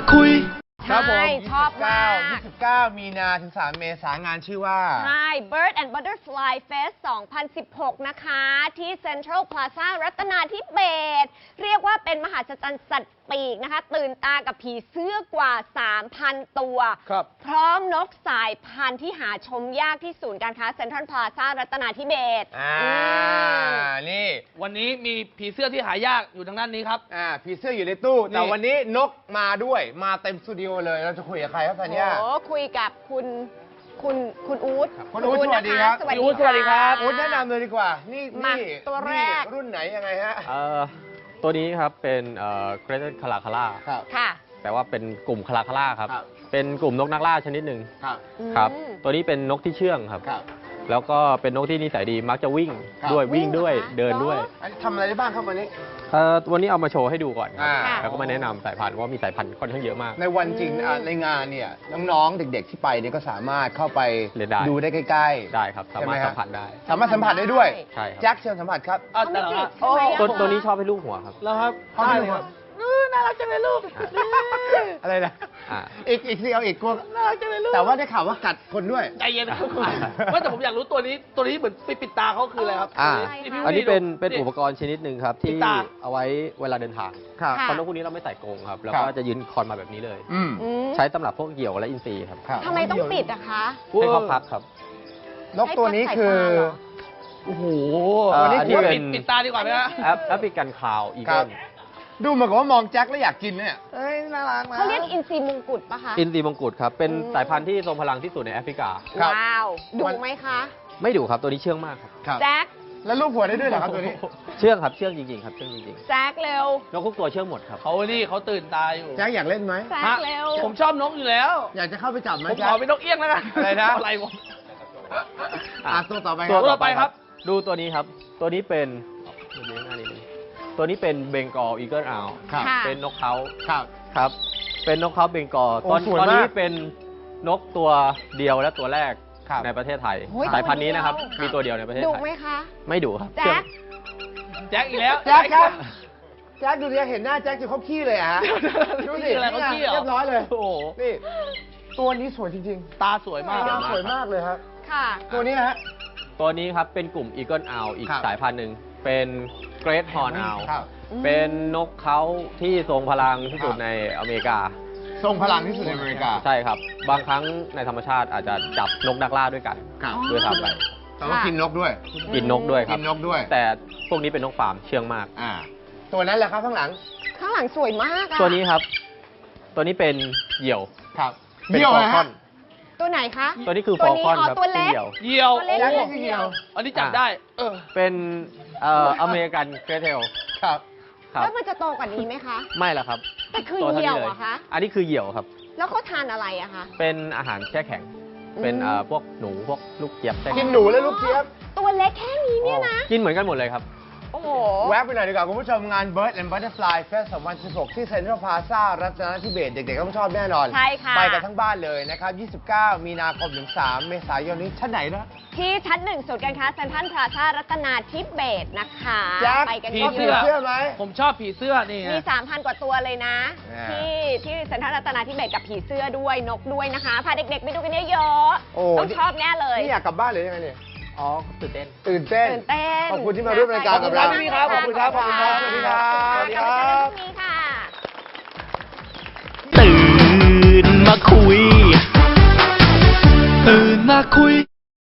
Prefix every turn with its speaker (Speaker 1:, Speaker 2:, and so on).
Speaker 1: คุย
Speaker 2: ครับผม
Speaker 3: ชอบมาก
Speaker 2: 29 มีนาถึง 3 เมษายนงานชื่อว่า
Speaker 3: ใช่ Bird and Butterfly Fest 2016 นะคะ ที่ Central Plaza รัตนาธิเบศรเรียกว่าเป็นมหาศจรรย์สัตว์ปีกนะคะ ตื่นตากับผีเสื้อกว่า 3,000 ตัว พร้อมนกสายพันธุ์ที่หาชมยากที่ศูนย์การค้า Central Plaza รัตนาธิเบศร
Speaker 2: นี่
Speaker 1: วันนี้มีผีเสื้อที่หายากอยู่ทางด้านนี้ครับ
Speaker 2: ผีเสื้ออยู่ในตู้แต่วันนี้นกมาด้วยมาเต็มสตูดิโอเลยเราจะคุยกับใครครับธัญญา
Speaker 3: คุยกับคุณอู๊ด
Speaker 2: คุณอู๊ดสวัสดีครับ
Speaker 1: สวัสดีครับ
Speaker 2: อู๊ดแนะนำเลยดีกว่านี่
Speaker 3: ตัวแรก
Speaker 2: รุ่นไหนยังไงฮะ
Speaker 4: ตัวนี้ครับเป็นเกรเทคาราคาร่า
Speaker 3: ค่ะ
Speaker 4: แต่ว่าเป็นกลุ่มคาราคาร่าครับเป็นกลุ่มนกนักล่าชนิดหนึ่งครับตัวนี้เป็นนกที่เชื่องครับแล้วก็เป็นนกที่นิสัยดีมักจะวิ่งด้วยเดินด้วย
Speaker 2: ทำอะไรได้บ้างครับวันนี้
Speaker 4: วันนี้เอามาโชว์ให้ดูก่อนแล้วก็มาแนะนำสายพันธุ์ว่ามีสายพันธุ์ค่อนข้างเยอะมาก
Speaker 2: ในวันจริงในงานเนี่ยน้องๆเด็กๆที่ไปเนี่ยก็สามารถเข้าไปดูได้ใกล้ๆ
Speaker 4: ได้ครับสามารถสัมผัสได้
Speaker 2: สามารถสัมผัสได้ด้วย
Speaker 4: ใช่
Speaker 2: แจ็คเชิญสัมผัสครับ
Speaker 4: ตัวนี้ชอบให้ลูกหัวครับ
Speaker 1: แล้วครับ
Speaker 2: ได้เลยครับ
Speaker 1: น่ารักจังเลยลูก
Speaker 2: อะไรนะอีกสิเอาอีกกลัว
Speaker 1: น่ารักจังเลยลูก
Speaker 2: แต่ว่าได้ข่าวว่ากัดคนด้วย
Speaker 1: ใจเย็นนะครับว่าแต่ผมอยากรู้ตัวนี้เหมือนปิดตาเขาคืออะไรครับ
Speaker 4: อันนี้เป็นอุปกรณ์ชนิดหนึ่งครับที่เอาไว้เวลาเดินทางเพราะนกพวกนี้เราไม่ใส่กรงครับแล้วก็จะยืนคอนมาแบบนี้เลยใช้สำหรับพวกเหยี่ยวและอินทรีครับ
Speaker 3: ทำไมต้องปิดอะคะ
Speaker 4: ให้เขาพักครับ
Speaker 2: นกตัวนี้คือ
Speaker 1: โอ้โห
Speaker 4: อันนี้
Speaker 1: ปิดตาดีกว่าไหมฮะ
Speaker 4: แอฟริกันคาวอีเกิล
Speaker 2: ดูเหมือนกับว่ามองแจ็คแล้วอยากกินเนี่ย
Speaker 1: น่ารักนะ
Speaker 3: เขาเรียกอินทรีมงกุฎปะคะ
Speaker 4: อินทรีมงกุฎครับเป็นสายพันธุ์ที่ทรงพลังที่สุดในแอฟริกา
Speaker 3: ว้าวดุไหมคะ
Speaker 4: ไม่ดุครับตัวนี้เชื่องมาก
Speaker 3: ครับแจ็ค
Speaker 2: แล้วลูกหัวได้ด้วยเหรอครับตัวนี้
Speaker 4: เชื่องครับเชื่องจริงๆครับเชื่องจริง
Speaker 3: ๆแจ็คเร็วน
Speaker 4: กทุกตัวเชื่องหมดครับ
Speaker 1: เขาตื่นตาอยู่
Speaker 2: แจ็คอยากเล่นไหม
Speaker 3: แจ็คเร็ว
Speaker 1: ผมชอบนกอยู่แล้ว
Speaker 2: อยากจะเข้าไปจับไหม
Speaker 1: ผมขอเป็นนกเอี้ยงแล้วกัน
Speaker 2: อะไรนะ
Speaker 1: อะไรวะ
Speaker 2: ตัวต่อไป
Speaker 4: ครับดูตัวนี้ครับตัวนี้เป็นตัวนี้เป็นเบงกอลอีเกิลอาวเป็นนกเขาครับเป็นนกเขาเบงกอลตอนนี้เป็นนกตัวเดียวและตัวแรกในประเทศไทยสายพันธุ์นี้นะครับมีตัวเดียวในประเทศไทย
Speaker 3: ดุไหมคะ
Speaker 4: ไม่ดุครับ
Speaker 1: แจ็คอีกแล้ว
Speaker 2: แจ็คครับแจ็คดูดิเห็นหน้าแจ็คจะเขาขี้เลยฮะดูสิ
Speaker 1: อะไรเขาขี้เ
Speaker 2: รียบร้อยเลย
Speaker 1: โอ้โห
Speaker 2: นี่ตัวนี้สวยจริง
Speaker 1: ๆตาสวยมาก
Speaker 2: สวยมากเลยครับ
Speaker 3: ค่ะ
Speaker 2: ตัวนี้ฮะ
Speaker 4: ตัวนี้ครับเป็นกลุ่มอีเกิลอาวอีกสายพันธุ์หนึ่งเป็นเกรทฮอร์นอาวเป็นนกเขาที่ทรงพลังที่สุดในอเมริกา
Speaker 2: ทรงพลังที่สุดในอเมริกา
Speaker 4: ใช่ครับบางครั้งในธรรมชาติอาจจะจับนกนักล่าด้วยกันด้วยทำไป
Speaker 2: แต่ว่ากินนกด้วย
Speaker 4: กินนกด้วยครับ
Speaker 2: กินนกด้วย
Speaker 4: แต่พวกนี้เป็นนกฟาร์มเชื่องมาก
Speaker 2: ตัวนั้นแหละครับข้างหลัง
Speaker 3: สวยมาก
Speaker 4: ตัวนี้ครับตัวนี้เป็นเหยี่ยว
Speaker 2: ครับ
Speaker 4: เป็นฟอลคอน
Speaker 3: ตัวไหนคะ
Speaker 4: ตัวนี้คือฟอลคอนครับ
Speaker 3: ตัวเล็ก
Speaker 1: เหยี่ยว
Speaker 2: แล้วนี่คือเหยี่ยว
Speaker 1: อันนี้จับได้
Speaker 4: เป็นอเมริกันเกรเทล
Speaker 2: ครับ
Speaker 3: แล้วมันจะโตกว่านี้ไหมคะ
Speaker 4: ไม่ละครับ
Speaker 3: แต่คือเหยี่ยวอะคะ
Speaker 4: อันนี้คือเหยี่ยวครับ
Speaker 3: แล้วเขาทานอะไรอะคะ
Speaker 4: เป็นอาหารแช่แข็งเป็นพวกหนูพวกลูกเจี๊ยบ
Speaker 2: กินหนูและลูกเจี๊ยบ
Speaker 3: ตัวเล็กแค่นี้เนี่ยนะ
Speaker 4: กินเหมือนกันหมดเลยครับ
Speaker 3: โอ้โห
Speaker 2: แวะไปหน่อยดีกว่าคุณผู้ชมงาน Bird and Butterfly Fest 2016 ที่ Central Plaza รัตนทิเบศเด็กๆต้องชอบแน่นอน
Speaker 3: ใช่ค่ะ
Speaker 2: ไปกันทั้งบ้านเลยนะครับ29 มีนาคมถึง 3 เมษายนนี้ชั้นไหนนะ
Speaker 3: ที่ชั้น1ศูนย์การค้าเซ็นทรัลพลาซ่ารัตนาธิเบศรนะคะไปกัน
Speaker 2: ผีเสื้อไหม
Speaker 1: ผมชอบผีเสื้อนี่
Speaker 3: มี 3,000 กว่าตัวเลยนะที่เซ็นทรัลรัตนาธิเบศรกับผีเสื้อด้วยนกด้วยนะคะพาเด็กๆไปดูกันเยอะๆต้องชอบแน่เลย
Speaker 2: นี่อยากกลับบ้านหรือยังไงเนี่ย
Speaker 4: อ๋อตื่นเต้น
Speaker 2: ขอบคุณที่มาร่วมรายการกับเรา
Speaker 1: ขอบคุณครับ
Speaker 2: สวัสดีครับ
Speaker 3: สวัสดีครับ
Speaker 2: ตื่
Speaker 3: น
Speaker 1: มาคุย